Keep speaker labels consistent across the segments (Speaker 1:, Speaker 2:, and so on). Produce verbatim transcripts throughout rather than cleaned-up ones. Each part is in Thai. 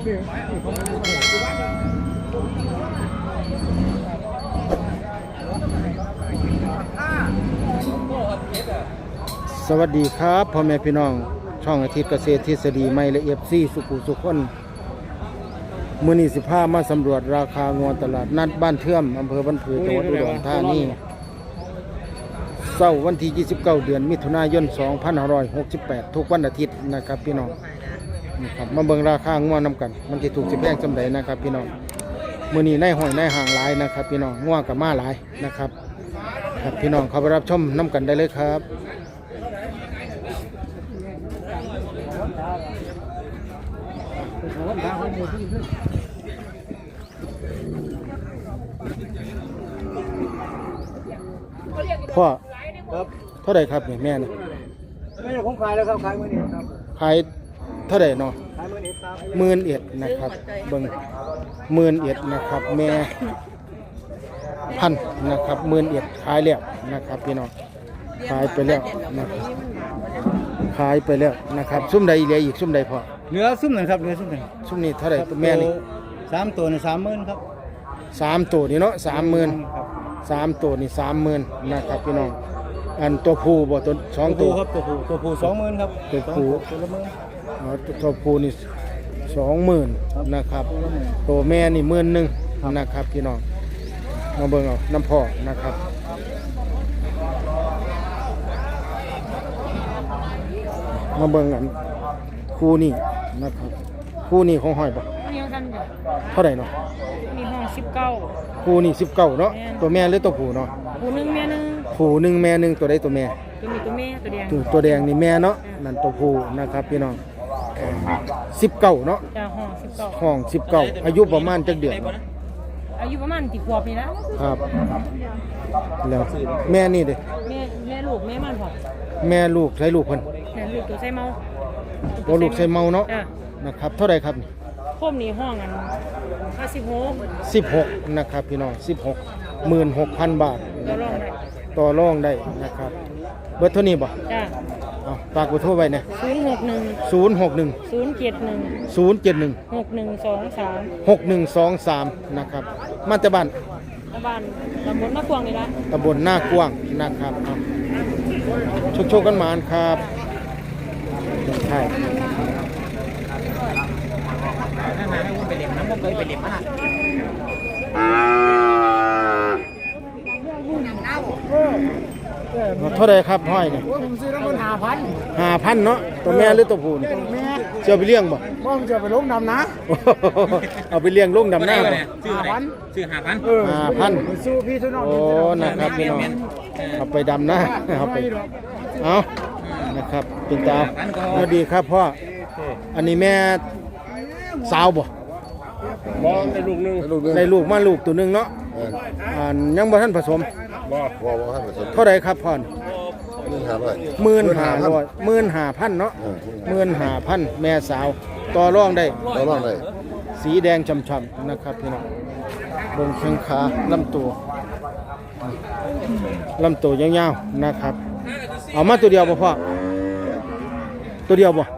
Speaker 1: สวัสดีครับพ่อแม่พี่น้องช่องอาทิตย์เกษตรทฤษฎีใหม่และเอฟซีสุขุสุขคนมื้อนี้สิพามาสำรวจราคางวตลาดนัดบ้านเทื่อมอำเภอบ้านผือจังหวัดอุดรธานีเสาร์วันที่ยี่สิบเก้าเดือนมิถุนายนสองพันห้าร้อยหกสิบแปดทุกวันอาทิตย์นะครับพี่น้องนะครับมาเบิ่งราคางวนำกันมันสิถูกสิแพงจำใดนะครับพี่น้องมื้อนี้ในห้อยในห่างหลายนะครับพี่น้องงัวกับม้าหลายนะครับครับพี่น้องเข้าไปรับชมนำกันได้เลยครับพ่อครับเท่าไหร่ครับเนี่ยแม่เนี่ย
Speaker 2: ไม่ใช่ผมขายแล้วครับขายมื่อนี้ครับ
Speaker 1: ขายเท่าไหร่เนาะ
Speaker 2: ขายมื่อนี้ครับ
Speaker 1: หมื่นเอ็ดนะครับเบิ่งหมื่นเอ็ดนะครับแม่พันนะครับหมื่นเอ็ดขายแล้วนะครับพี่น้องขายไปแล้วนะครับขายไปแล้วนะครับซุ่มใดเหลืออีกซุ่มใดพอ
Speaker 2: เหลือซุ่มหนึ่งครับเหลือซุ่มหนึ่ง
Speaker 1: ซุ่มนี้เท่าไหร่ตัวแม่นี่
Speaker 2: สามตัวนี่สามหมื่นครับ
Speaker 1: สามตัวนี่เนาะสามหมื่นสามตัวนี่สามหมื่นนะครับพี่น้องอันตัวผู้บ่ตัวสองตัว
Speaker 2: ครับตัวผู้ตัวผู้สองหมื่นครับ
Speaker 1: ตัวผู้
Speaker 2: ตัวละหมื่น
Speaker 1: อ๋อตัวผู้นี่สองหมื่นนะครับตัวแม่นี่หมื่นหนึ่งนะครับพี่น้องมาเบิ่งเอาน้ำพ่อนะครับมาเบิ่งกันคู่นี้นะครับคู่นี้ของห้อยบ่เท่าไหร่เนาะ
Speaker 3: มีห้องสิบเก้า
Speaker 1: คู่นี้สิบเก้าเนาะตัวแม่หรือตัวผู้เนาะ
Speaker 3: ผู้หนึ่งแม่หนึ่ง
Speaker 1: ผู้หนึ่งแม่หนึ่งตัวใดตัวแม่
Speaker 3: ตัวมีตัวแม่ตัวแดง
Speaker 1: ตัวแดงนี่แม่เนาะนั่นตัวผู้นะครับพี่น้องสิบเก้าเนาะ
Speaker 3: จ้าห้องสิบเก้า
Speaker 1: ห้องสิบเก้าอายุประมาณจักเดือน
Speaker 3: อายุประมาณกี่ขวบนี่นะครับ
Speaker 1: แล้วแม่นี่เด้
Speaker 3: แม่แม่ลูกแม่มันพอ
Speaker 1: แม่ลูกใช้ลูกเพิ่น
Speaker 3: แม่ลูกตัวใส่เมา
Speaker 1: ตัวลูกใส่เมาเนาะนะครับเท่าไหร่ครับนี่
Speaker 3: พวกนี้ห้องอันห้าสิบหก
Speaker 1: สิบหกนะครับพี่น้องสิบหกหมื่นหกพันบาท
Speaker 3: ต่อรองได้
Speaker 1: ต่อรองได้นะครับเบอร์เท่านี้บ่
Speaker 3: จ้า
Speaker 1: เอาฝากเบอร์โทรไว้นะ
Speaker 3: ศูนย์หกหนึ่ง
Speaker 1: ศูนย์หกหนึ่ง
Speaker 3: ศูนย์เจ็ดหนึ่ง
Speaker 1: ศูนย์เจ็ดหนึ่ง
Speaker 3: หกหนึ่งสองสาม
Speaker 1: หกหนึ่งสองสามนะครับมาจากบ้าน
Speaker 3: บ้านตำบลหน้ากวางนี่ละ
Speaker 1: ตำบลหน้ากว้างนะครับชุกชกกันมาครับใช่
Speaker 2: ไปเลี้ยงน้ำมันเคยไปเลี้ยงมาก
Speaker 1: เท่าไรครับห้อยเนี่ย
Speaker 2: ผมซื้อน้ำมันห้าพัน
Speaker 1: ห้าพันเนาะตัวแม่หรือตัวผู้นี่เจ้าไปเลี้ยงบ่
Speaker 2: บ่ผมจะไปลงดำนะ
Speaker 1: เอาไปเลี้ยงลงดำหน้าบ่
Speaker 2: ซื้อห้าพันซื้อห้าพัน
Speaker 1: ห้าพัน
Speaker 2: สู้พี่สู้น้อง
Speaker 1: โอ้นะครับพี่น้องเอาไปดำหน้าเอาไปเอานะครับเป็นตาสวัสดีครับพ่ออันนี้แม่สาวบ่
Speaker 2: บ่ได้ลูกนึง
Speaker 1: ได้ลูกมาลูกตัวนึงเนาะอ่ายังบ่ทันผสม
Speaker 2: บ่บ่บ่ทันผสม
Speaker 1: เท่าไรครับพ่อหมื่นห้าร้อยหมื่นห้าพันเนาะหมื่นห้าพันแม่สาวต่อรองได้
Speaker 2: ต่อรองได้
Speaker 1: สีแดงช่ำๆนะครับพี่น้องบนแข้งขาลำตัวลำตัวยาวๆนะครับเอามาตัวเดียวบ่พ่อตัวเดียวบ่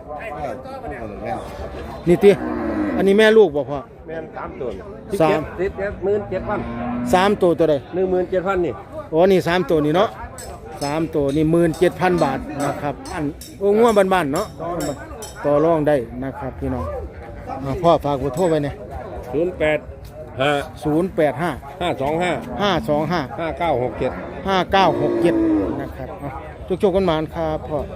Speaker 1: นี่ติอันนี้แม่ลูกบ่พ่อ
Speaker 2: แม่สามตัว
Speaker 1: สาม
Speaker 2: สิบเจ็ดหมื่นเจ็ดพัน
Speaker 1: สามตัวตัวใด
Speaker 2: หนึ่งหมื่นเจ็ดพันนี่
Speaker 1: โอ้นี่สามตัวนี่เนาะสามตัวนี่หมื่นเจ็ดพันบาทนะครับอันโอ้ง่วงบ้านๆเนาะต่อรองได้นะครับพี่น้องพ่อฝากเบอร์โทรไว้เนี่ย
Speaker 2: ศูนย์แปดห้า
Speaker 1: ศูนย์แปดห้า
Speaker 2: ห้าสองห้า
Speaker 1: ห้าสองห้า
Speaker 2: ห้าเก้าหกเจ็ด
Speaker 1: ห้าเก้าหกเจ็ดนะครับจุกๆกันมาครับพ่อ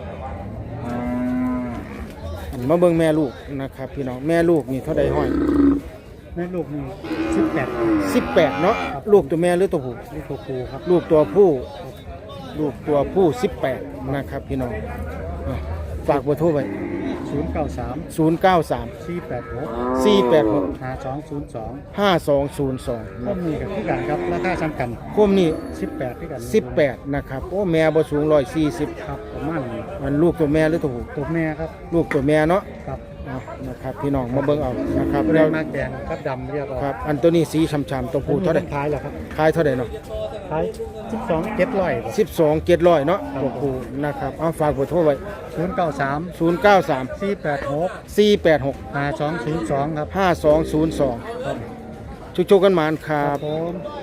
Speaker 1: มาเบิ่งแม่ลูกนะครับพี่น้องแม่ลูกนี่เท่าใดห้อย
Speaker 2: แม่ลูกนี่สิบแปด
Speaker 1: สิบแปดเนาะลูกตัวแม่หรือตัวผู้
Speaker 2: ลูกตัวผู้ครับ
Speaker 1: ลูกตัวผู้ลูกตัวผู้สิบแปดนะครับพี่น้องฝากเบอร์โทรไว้
Speaker 2: ศูนย์เก้าสาม
Speaker 1: ศูนย์เก้าสาม
Speaker 2: สี่แปดหก
Speaker 1: สี่แปดหก
Speaker 2: ห้าสองศูนย์สอง
Speaker 1: ห้าสองศูนย์สอง
Speaker 2: ก็มีกับที่กันครับราคาซ้ำกัน
Speaker 1: คมนี่
Speaker 2: สิบแปดที่กัน
Speaker 1: สิบแปดนะครับโอ้แม่บ่สูงร้อยสี่สิบ
Speaker 2: ครับประมาณ
Speaker 1: มันลูกตัวแม่หรือตัวผู้
Speaker 2: ตัวแม่ครับ
Speaker 1: ลูกตัวแม่เนาะ
Speaker 2: ครับ
Speaker 1: นะครับพี่น้องมาเบิ่งเอานะครับ
Speaker 2: แล้วมากแดงกับดำเรียบร้อย
Speaker 1: ครับอันตัวนี้สีช้ำๆตัวผู้เท่าไหร่
Speaker 2: ขายเหรอครับ
Speaker 1: ขายเท่าไหร่เนาะ
Speaker 2: ขขายสิบสองเจ็ดร้อย
Speaker 1: สิบสองเจ็ดร้อยเนาะตัวผู้นะครับเอาฝากเบอร์โทรไว้
Speaker 2: ศูนย์เก้าสาม
Speaker 1: ศูนย์เก้าสาม
Speaker 2: สี่แปดหก
Speaker 1: สี่แปดหก
Speaker 2: ห้าสองศูนย์สองครับ
Speaker 1: ห้าสองศูนย์สอง
Speaker 2: ครับ
Speaker 1: ชุกๆกันหมานครั
Speaker 2: ครับ บผม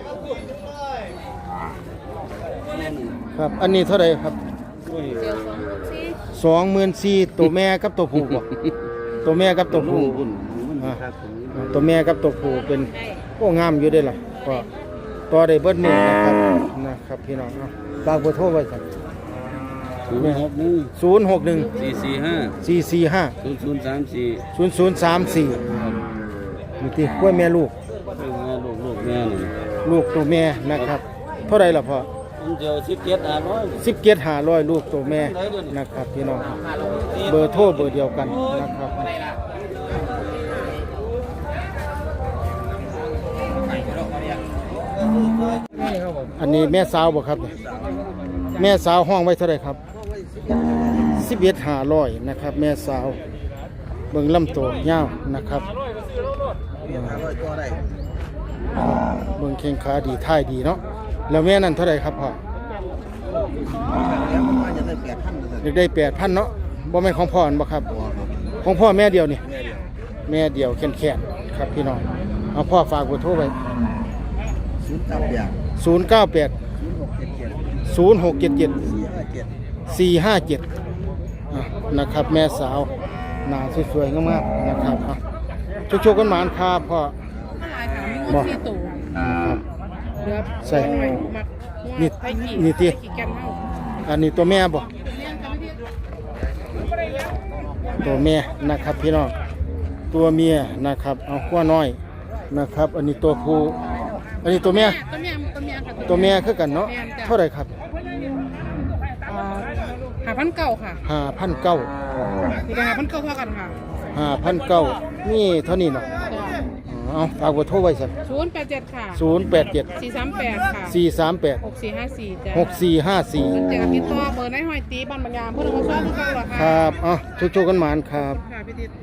Speaker 1: ครับ อันนี้เท่าไหร่ครับสองหมื่นสี่ตัวแม่กับตัวผู้บ่ตัวแม่กับตัวผู้อ่าตัวแม่กับตัวผู้เป็นโอ้งามอยู่เด้อล่ะก็ต่อได้เบิดมือนะครับนะครับพี่น้องเอาฝากเบอร์โทรไว้ครับ
Speaker 4: ศูนย์หกหนึ่ง
Speaker 1: ศูนย์หกหนึ่ง
Speaker 4: สี่สี่ห้า
Speaker 1: สี่สี่ห้า
Speaker 4: ศูนย์ศูนย์สามสี่
Speaker 1: ศูนย์ศูนย์สามสี่มีที่กล้วยแม่ลูก
Speaker 4: ลูกแม่ลูกลูกแม่นี่
Speaker 1: ลูกตัวแม่นะครับ เท่าไรล่ะพ่อ
Speaker 4: ผมเจอสิบเจ็ดห้าร้อย
Speaker 1: สิบเกียรหาร้อยลูกตัวแม่นะครับพี่น้องเบอร์โทรเบอร์เดียวกันนะครับอันนี้แม่สาวบ่ครับเนี่ยแม่สาวห้องไว้เท่าไรครับสิบเอ็ดหาร้อยนะครับแม่สาวเบิ่งลำตัวยาวนะครับเบิ่งเข่งขาดีท่ายดีเนาะแล้วแม่นั่นเท่าไรครับพ่อเด็กได้แปดพันเนาะบ่แม่นของพ่ออันบ่ครับของพ่อแม่เดียวนี่แม่เดียวแข็งๆครับพี่น้องเอาพ่อฝากเบอร์โทรไว้
Speaker 2: ศูนย์เก้าแปด
Speaker 1: ศูนย์เก้าแปด
Speaker 2: ศูนย์หกเจ็ดเจ็ด
Speaker 1: ศูนย์หกเจ็ดเจ็ด
Speaker 2: สี่ห้าเจ็ด
Speaker 1: สี่ห้าเจ็ดนะครับแม่สาวหน้าสวยๆงามๆนะครับอ่ะชุกๆกันหมานครับพ่อบอกนะครับใส่นี่นี่ตีอันนี้ตัวแม่บ่ตัวแม่นะครับพี่น้องตัวเมียนะครับเอาขั้วน้อยนะครับ อันนี้ตัวผู้อันนี้ตัวแม่
Speaker 3: ตัวแม่ตัวแม่ค่ะ
Speaker 1: ตัวแม่คือกันเนาะเท่าไหร่ครับ
Speaker 3: หาพันเก่าค่ะ
Speaker 1: ห้าพันเก้า
Speaker 3: นี่ก็หาพันเก่าเท่ากันค่ะ
Speaker 1: ห้าพันเก้านี่เท่านี้เนาะเอาฝากเบอร์โทรไว้สัก
Speaker 3: ศูนย์แปดเจ็ดค่ะ
Speaker 1: ศูนย์แปดเจ็ด
Speaker 3: สี่สามแปดค่ะ
Speaker 1: สี่สามแปด
Speaker 3: หกสี่ห้าสี่จ้ะ
Speaker 1: หกสี่ห้าสี่
Speaker 3: เจอกับพี่ตัวเบอร์ในหอยตีบ้านบางยามเพื่อนมาซ้อมทุกคนหรอ
Speaker 1: ค
Speaker 3: ค่ะ
Speaker 1: รับอ่ะชุกๆกันหมานครับ
Speaker 3: ค่ะพี่ติด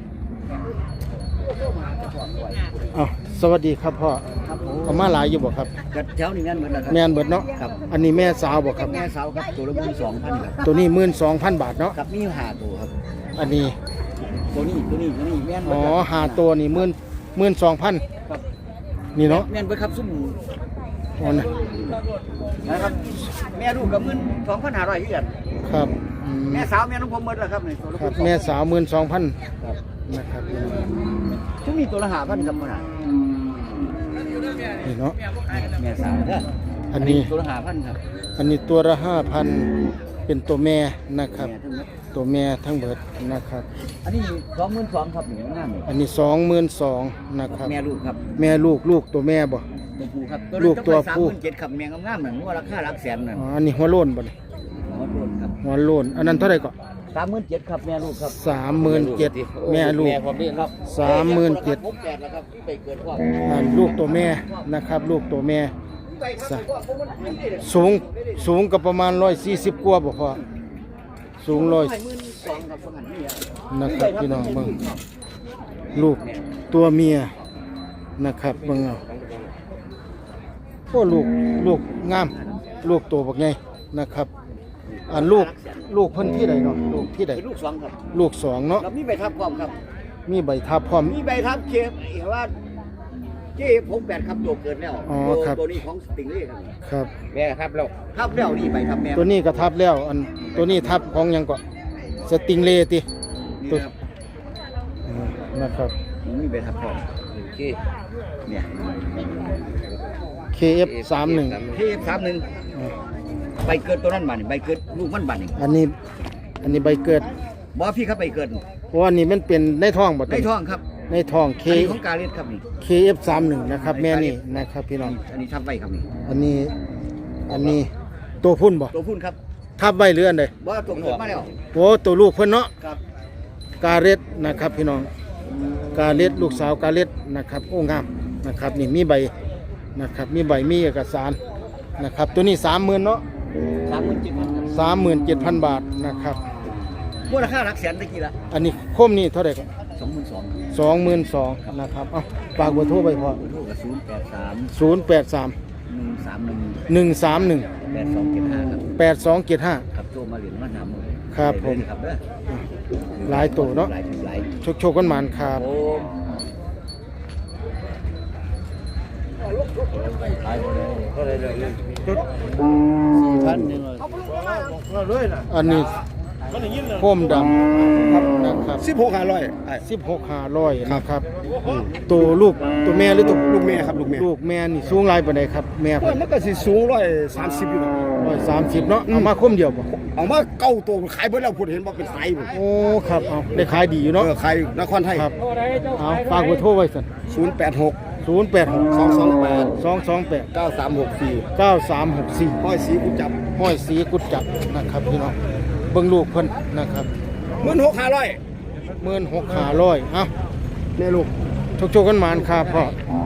Speaker 1: อ่ะสวัสดีครับพ่อ
Speaker 2: ครับผม
Speaker 1: เอามาหลายอยู่บ่ครับ
Speaker 2: กัดแถวนี้แม่นเหมือนกันครับ
Speaker 1: แม่นเบิดเนาะ
Speaker 2: ครับ
Speaker 1: อันนี้แม่สาวบ่ครับ
Speaker 2: แม่สาวครับตัวละหมื่นสองพันครับ
Speaker 1: ตัวนี้หมื่นสองพันบาทเนาะ
Speaker 2: กับมีอยู่ห้าตัวครับ
Speaker 1: อันนี้
Speaker 2: ตัวนี้ตัวนี้ตัวนี้แม่น
Speaker 1: อ๋
Speaker 2: เบิ
Speaker 1: อ
Speaker 2: ดครับ
Speaker 1: หาตัวนี่หมื่นหมื่นสองพัน
Speaker 2: ครับ
Speaker 1: นี่เนาะ
Speaker 2: แม่นเบิดครับซุ่ม
Speaker 1: อ๋อนะ
Speaker 2: นะครับแม่ลูกกับหมื่นสองพันห้าร้อยที่กัน
Speaker 1: ครับอืม
Speaker 2: แม่สาวแม่น้องผมเบิดแล้วครับนี่ตัวละ
Speaker 1: ครับ
Speaker 2: ห
Speaker 1: แม่
Speaker 2: มื่นสอง
Speaker 1: สาวหมื่นสองพัน
Speaker 2: ครับ
Speaker 1: นะครับ
Speaker 2: ทุกมีตัวละห้าพันครับมันน่ะ
Speaker 1: นี่เนาะ
Speaker 2: แม่สาวเด้อ
Speaker 1: อันนี้
Speaker 2: ตัวละห้าพันครับ
Speaker 1: อันนี้ตัวละห้าพันเป็นตัวแม่นะครับ
Speaker 2: แม่ทั้งหมด
Speaker 1: ตัวแม่ทั้งเบิดนะครับ
Speaker 2: อันนี้สองหมื่นสองครับนี่งามนี่
Speaker 1: อันนี้สองหมื่นสองนะครับ
Speaker 2: แม่ลูกครับ
Speaker 1: แม่ลูกลูกตัวแม่บ่
Speaker 2: ตัวผู้ครับ
Speaker 1: ลูกตัวผู้
Speaker 2: สามหมื่นเจ็ดครับแม่งามๆเหมือนว่าราคาหลักแสนนั่น
Speaker 1: อ๋ออันนี้หัวโล้นบ่นี่
Speaker 2: หัวโลนครับ
Speaker 1: หัวโล้นอันนั้นเท่าไหร่ก็
Speaker 2: สามหมื่นเจ็ดครับแม่ลูกครับ
Speaker 1: สามหมื่นเจ็ดแม่ลูก
Speaker 4: แม่ผมนี่ครับ
Speaker 1: สามหมื่นเจ็ด
Speaker 2: หกแปดแล้วครับไปเกิดพ่อ
Speaker 1: อ่าลูกตัวแม่นะครับ ลูกตัวแม่สะสูงสูงกับประมาณร้อยสี่สิบกว่าบ่พอสูงร้อย
Speaker 2: หมื่นสองครับประมาณนี้
Speaker 1: นะครับพี่น้องเบิ่งลูกตัวเมียนะครับเบิ่งเอาโอ้ลูกลูกงาม ลูกตัวบักใหญ่นะครับอันลูกลูกเพิ่นที่ใดเนาะลูกที่ใด
Speaker 2: เป็นลูกสองครับ
Speaker 1: ลูกสองเนาะ
Speaker 2: แล้วมีใบทับพร้อมครับ
Speaker 1: มีใบทับพร้อม
Speaker 2: มีใบทับเคฟเห็นว่าเจ๊หกแปดครับตัวเกิดแล้ว
Speaker 1: อ๋อ
Speaker 2: ตัว
Speaker 1: ครับ
Speaker 2: ตัวนี้ของสติงเล่ครับ
Speaker 1: ครับ
Speaker 4: แม่ครับแล้ว
Speaker 2: ทับแล้วนี่ใบทับแม่
Speaker 1: ตัวนี้ก็ทับแล้วอันตัวนี้ทับของหยังก็สติงเลติ
Speaker 2: นี่
Speaker 1: ตัว
Speaker 2: ครับ
Speaker 1: อืมนะครับ
Speaker 2: มีใบทับพร้อม
Speaker 4: โอเค
Speaker 2: เนี่ย
Speaker 1: เค เอฟ สามหนึ่ง
Speaker 2: เคฟสามหนึ่งใบเกิดตัวนั้นบัดนี่ใบเกิดลูกมันบัดนี่
Speaker 1: อันนี้อันนี้ใบเกิด
Speaker 2: บอพี่ครับใบเกิด
Speaker 1: เพราะว่านี่มันเป็นในท้องบ่
Speaker 2: ในท้องครับ
Speaker 1: ในท้องเค
Speaker 2: อันนี้ของกาเลียดครับนี่
Speaker 1: เค เอฟ สามหนึ่งนะครับแม่นี่นะครับพี่น้อง
Speaker 2: อันนี้ทับไว้ครับนี่
Speaker 1: อันนี้อันนี้ตัวพุ่นบ่
Speaker 2: ตัวพุ่นครับ
Speaker 1: ทับไว้หรืออันใด
Speaker 2: บ่ตัวเกิดมาแล้ว
Speaker 1: โอ้ตัวลูกเพิ่นเนาะ
Speaker 2: ครับ
Speaker 1: กาเล็ดนะครับพี่น้องกาเล็ดลูกสาวกาเล็ดนะครับโอ้งามนะครับนี่มีใบนะครับมีใบมีเอกสารนะครับตัวนี้สามหมื่นเนาะ
Speaker 2: สามหมื่นเจ็ดพันครับ
Speaker 1: สามหมื่นเจ็ดพันบาทนะครับ
Speaker 2: มูลค่าหลักแสนตะกี้ละ
Speaker 1: อันนี้โคมนี่เท่าไหร่ครับ
Speaker 2: สองหมื่นสอง
Speaker 1: สองหมื่นสองนะครับเอาฝากเบอร์โทรไปพอ
Speaker 2: โทรกับศูนย์แปดสาม
Speaker 1: ศูนย์แปดสาม
Speaker 2: หหนึ่งสามหนึ่ง
Speaker 1: หนึ่งสามหนึ่ง
Speaker 2: แปดสองเจ็ดห้าครับ
Speaker 1: แปดสองเจ็ดห้า
Speaker 2: ครับโจมาเหรียญมาหาหมด
Speaker 1: ครับผม
Speaker 2: ครับเด้อ
Speaker 1: หลายตัวเนาะ
Speaker 2: หลายหลาย
Speaker 1: โชคโชคกันหมานครับ
Speaker 2: โอ้หลายหมดเลยก็เลยเลยสี่พันหนึ่งเลย
Speaker 1: อันนี้โคมดำครับนะครับ
Speaker 5: สิบหกห้าร้อย
Speaker 1: สิบหกห้าร้อยนะครับตัวลูกตัวแม่หรือตัว
Speaker 5: ลูกแม่ครับลูกแม่
Speaker 1: ลูกแม่นี่สูงหลายปานใดครับแม่
Speaker 5: โอ้ยมันก็สิสูงร้อยสามสิบอยู่นะ
Speaker 1: ร้อยสามสิบเนาะเอามาคมเดียวบ่
Speaker 5: เอามาเก้าตัวขายเบิดแล้วพูดเห็นว่าเป็นไซส์
Speaker 1: โอ้ครับเอาได้ขายดีอยู่
Speaker 5: เนาะ
Speaker 1: เนาะ
Speaker 5: ขายนครไทย
Speaker 1: ครับเอาฝากเบอร์โทรไว้สั่น
Speaker 5: ศูนย์แปดหก
Speaker 1: ศูนย์แปดหก
Speaker 5: สองสองแปด
Speaker 1: สองสองแปด
Speaker 5: เก้าสามหกสี่
Speaker 1: เก้าสามหกสี่
Speaker 5: ห้อยสีกุจับ
Speaker 1: ห้อยสีกุดจับนะครับพี่น้องเบิ่งลูกเพิ่นนะครับ
Speaker 5: หมื่นหกห้าร้อย
Speaker 1: หมื่นหกห้าร้อยเอ้า
Speaker 5: แม่ลูก
Speaker 1: โชคโชคกันหมานครับพ่อ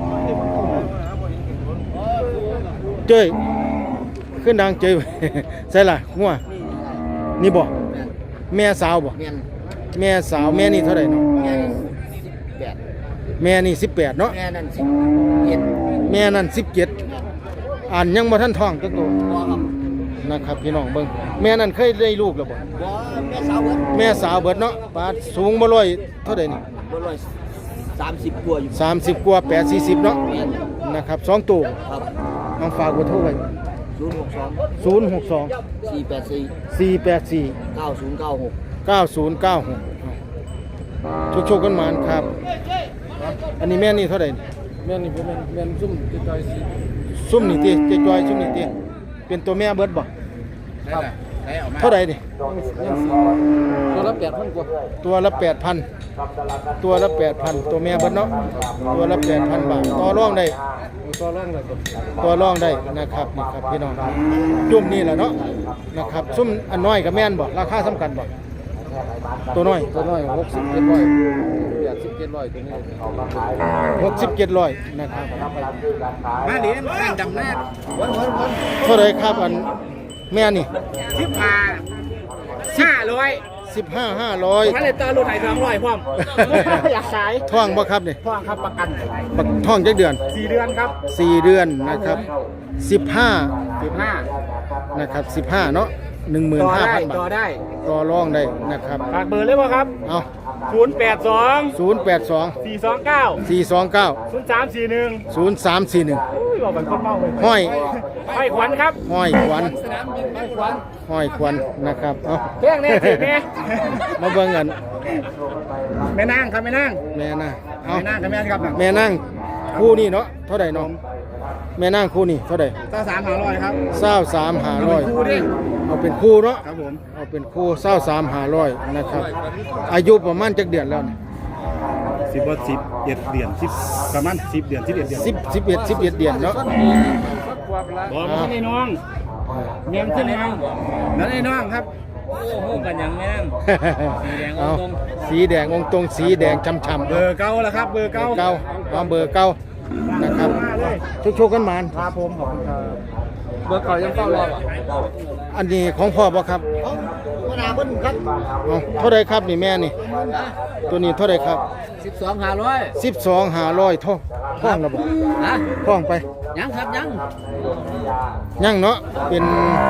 Speaker 1: เจ้ยขึ้นดังเจ้ย ใช่ล่ะงัวนี่บ่แม่สาวบ่
Speaker 2: เมียน
Speaker 1: แม่สาวแม่นี่เท่าไหร่เนาะ
Speaker 2: เมียนแปด
Speaker 1: แม่นี่สิบแปดเนาะ
Speaker 2: แม่นั่นสิบเจ็ด
Speaker 1: แม่นั่นสิบเจ็ดอ่านยังบ่ทันท้องจักตัว
Speaker 2: บัวครับ
Speaker 1: นะครับพี่น้องเบิ่งแม่นั่นเคยได้ลูกแล้วบ่
Speaker 2: บัวแม่สาวเบิด
Speaker 1: แม่สาวเบิดเนาะปาดสูงบ่ร้อยเท่าใดนี่
Speaker 2: บัวร้อยสามสิบกว่าอยู่
Speaker 1: สามสิบกว่าแปดสี่สิบเนาะ
Speaker 2: เมียน
Speaker 1: นะครับสองตัว
Speaker 2: ครับ
Speaker 1: เอาฝากเบอร์โทรไว้
Speaker 2: ศูนย์หกสอง
Speaker 1: ศูนย์หกสอง
Speaker 2: สี่แปดสี่
Speaker 1: สี่แปดสี่
Speaker 2: เก้าศูนย์เก้าหก
Speaker 1: เก้าศูนย์เก้าหกโชคโชคกันหมานครับ อันนี้แม่นี่เท่าไหร่นี่
Speaker 4: แม่นี่ผมเป็นแม่นซุ่มติดต่อยสิ
Speaker 1: ซุ่มนี่ติเจจอยซุ่มนี่ติเป็นตัวแม่เบิดบ่
Speaker 4: ครับใช้ออกมา
Speaker 1: เท่าไหร่นี่
Speaker 4: ตัวละแปดพันกว่า
Speaker 1: ตัวละแปดพันตัวละแปดพันตัวแม่เบิดเนาะตัวละแปดพันบาทต่อรองได้
Speaker 4: ตัวล่างเลยครับ
Speaker 1: ตัวรองได้นะครับนี่ครับพี่น้องจุ่มนี่แหละเนาะนะครับซุ่มอันน้อยกับแม่นบ่ราคาสำคัญบ่ตัวน้อย
Speaker 4: ตัวน้อยหกสิบเจ็ดร้อยแปดสิบเจ็ดร้อยตัวนี้
Speaker 1: หกสิบเจ็ดร้อยนะครับ
Speaker 5: มาเหรียญข้างดำแน่
Speaker 1: เท่าไหรครับอันแม่นี่
Speaker 5: สิบห้าห้าร้อย
Speaker 1: สิบห้าห้าร้อย
Speaker 5: ถ้าเลยตารุ่นไหนสามร้อยพร้อมอยากขาย
Speaker 1: ท่องบ่ครับนี่
Speaker 5: พ่อครับประกัน
Speaker 1: บักท่องจักเดือน
Speaker 5: สี่เดือนครับ
Speaker 1: สี่เดือนนะครับสิบห้า
Speaker 5: สิบห้า
Speaker 1: นะครับสิบห้าเนาะหนึ่งหมื่น
Speaker 5: ต่อ
Speaker 1: ห้า
Speaker 5: ได้
Speaker 1: พันบา
Speaker 5: ต่อ
Speaker 1: ท
Speaker 5: ได้
Speaker 1: ต่อรองได้นะครับ
Speaker 5: ฝากเบอร์เลยป่ะครับ
Speaker 1: เอา
Speaker 5: ศูนย์แปดสอง
Speaker 1: ศูนย์แปดสอง
Speaker 5: สี่สองเก้า
Speaker 1: สี่สองเก้า
Speaker 5: ศูนย์สามสี่หนึ่ง
Speaker 1: ศูนย์สามสี่หนึ่ง
Speaker 5: อุ้ยบอกเป็นคนเมาเลย
Speaker 1: ห้อย
Speaker 5: ห้อยขวัญครับ
Speaker 1: ห้อยขวัญ
Speaker 5: สนามบินห้อยขวัญ
Speaker 1: ห้อยขวัญนะครับเอา
Speaker 5: เรื่องแน่สิแม่
Speaker 1: มาเบิ่งกัน
Speaker 5: แม่นางครับแม่นาง
Speaker 1: แม่น่ะเอา
Speaker 5: แม่นางกับแม่นครับ
Speaker 1: แม่นั่งคู่นี่เนาะเท่าไหร่เนาะแม่นั่งคู่นี่เท่าไหร่
Speaker 5: เจ้าสามหาร้อยครับ
Speaker 1: เศร้าสามหาร้อย
Speaker 5: คู่ดิ
Speaker 1: เอาเป็นคู่เนาะ
Speaker 5: ครับผม
Speaker 1: เอาเป็นคู่เศร้าสามหาร้อยนะครับอายุประมาณจักเดือนแล้วนี่
Speaker 5: สิบว่าสิบเอ็ดเดือนสิบประมาณสิบเดือนสิบเอ็ดเดือน
Speaker 1: สิบสิบเอ็ดสิบเอ็ดเดือนเนาะ
Speaker 5: บอกมาในน้องเมียนขึ้นน้องนั่นไอ้น้องครับ
Speaker 4: โอ้โหกันยังแม่ง
Speaker 1: เอาสีแดงองค์ตรงสีแดงช่ำๆ
Speaker 5: เบอร์เก้าแล้วครับ เบอร์
Speaker 1: เบอ
Speaker 5: เก้า
Speaker 1: ร์เก้าเอาเบอร์เก้านะครับโชคๆกันหมาน
Speaker 5: ครับผมขอบคุณครับ
Speaker 4: เบอร์เก่ายังเฝ้ารออ่ะ
Speaker 1: อันนี้ของพ่อบ่ครับ
Speaker 2: หัวหน้าเพิ่นครับ
Speaker 1: เอาเท่าไรครับนี่แม่นี่ตัวนี้เท่าไรครับ
Speaker 2: สิบสองห้าร้อย
Speaker 1: สิบสองหาร้อยท่องท่องระบบ
Speaker 2: ฮะ
Speaker 1: ท่องไป
Speaker 2: ยังครับยัง
Speaker 1: ยังเนาะเป็น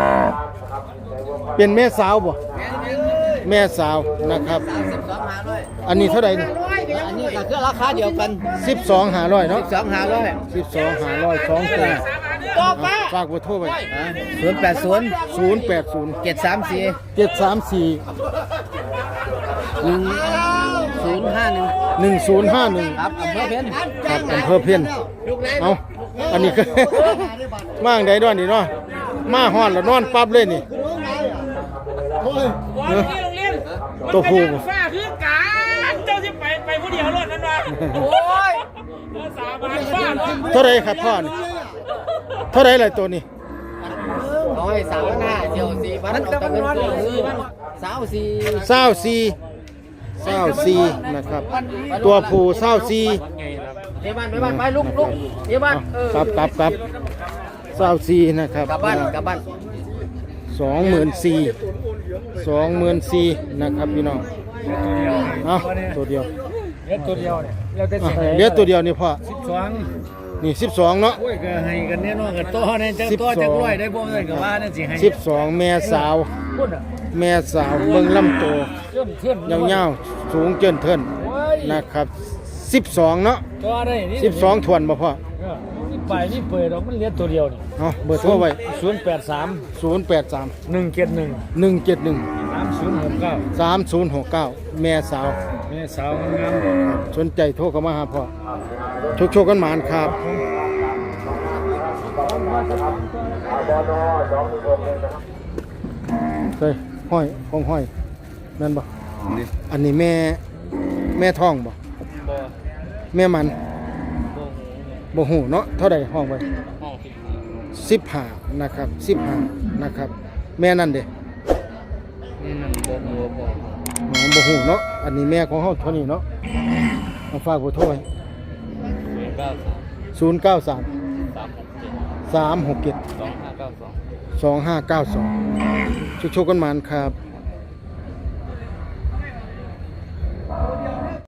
Speaker 1: เป็นแม่สาวบ่
Speaker 2: แม่นี่
Speaker 1: แม่สาวนะครับ
Speaker 2: สามสิบสองห้าร้อย
Speaker 1: อันนี้เท่าไหร่นี่
Speaker 2: อันนี้ก็คือราคาเดียวกัน
Speaker 1: สิบสองหาร้อยเนาะ
Speaker 2: สองห้าร้อย
Speaker 1: สิบสองหาร้อยสองตัว
Speaker 2: ต่อไป
Speaker 1: ฝากเบอร์โทรไว้
Speaker 2: ศูนย์แปดศูนย์
Speaker 1: ศูนย์แปดศูนย์
Speaker 2: เจ็ดสามสี่
Speaker 1: เจ็ดสามสี่
Speaker 2: หนึ่งศูนย์ห้าหนึ่ง
Speaker 1: หนึ่งศูนย์ห้าหนึ่ง
Speaker 2: ครับอำเภอเพชร
Speaker 1: ครับอำเภอเพียนเอาอันนี้คือ มาอังใดด้วยนี่เนาะมาฮ้อนแล้วนอนปั๊บเลยนี่เออตัวผู้บ่
Speaker 3: ฝ้าคือการเจ้าสิไปไปผู้เดียวรถนั่นวะโอ้ยสาบานฝ้าเนาะ
Speaker 1: เท่าไหรครับพ่อนี่เท่าไหรเลยตัวนี้
Speaker 2: ร้อยสามหน้าเจียวสี่พันตะเงินตัวสี่พันสาวสี่
Speaker 1: เศร้าซีเศร้าซีนะครับ ตัวผู้เศร้าซี
Speaker 2: เดี๋ยวบ้านไปบ้านไปลุกลุกเดี๋ยวบ้านเออ
Speaker 1: ครับครับครับเศร้าซีนะครับ
Speaker 2: กลับบ้านกลับบ้าน
Speaker 1: สองหมื่นสี่สองหมื่นสี่นะครับพี่น้องเอาตัวเดียว
Speaker 5: เล็กตัวเดียวเนี่ยเราจะ
Speaker 1: อ่ะเหลือตัวเดียวนี่พ่อ
Speaker 5: สิบสอง
Speaker 1: นี่สิบสองเนาะ
Speaker 5: โอ้ยก็ให้กันแน่นอนกับต่อเนี่ยจะต่อจักร้อยได้บ่เงินก็ว่านั่นสิให้
Speaker 1: สิบสองแม่สาว
Speaker 5: พุ่นอ่ะ
Speaker 1: แม่สาวเบิ่งลำตัว
Speaker 5: เชื่อมเชื่อม
Speaker 1: ยาวๆสูงเจินเทิน
Speaker 5: โอ้ย
Speaker 1: นะครับสิบสองเนาะ
Speaker 5: ต่อได้นี่
Speaker 1: สิบสองทวนบ่พ่อ
Speaker 5: เออนี่ไปนี่เปิดดอกมันเหลือตัวเดียวนี่
Speaker 1: เอาเบอร์โทรไว้
Speaker 5: ศูนย์แปดสาม
Speaker 1: ศูนย์แปดสาม
Speaker 5: หนึ่งเจ็ดหนึ่ง
Speaker 1: หนึ่งเจ็ดหนึ่ง
Speaker 5: สามศูนย์หกเก้า
Speaker 1: สามศูนย์หกเก้าแม่สาว
Speaker 5: แม่สาวงาม
Speaker 1: สนใจโทรเข้ามาหาพ่อโชคโชคกันหมานครับเฮ้ยห้อยของห้อยนั่นบ่อันนี้แม่แม่ท้องบ่แม่มันบ่หูเนาะเท่าใดห้องไว้สิบห้านะครับสิบห้านะครับ แม่นั่นเด้
Speaker 5: นี่นั่นบ่บ่บ่
Speaker 1: อ๋อบ่หูเนาะอันนี้แม่ของเฮาเท่านี้เนาะเอาฝากเบอร์โทรไว้ ศูนย์เก้าสาม สามหกเจ็ด สองห้าเก้าสอง โชคโชคกันหมานครับ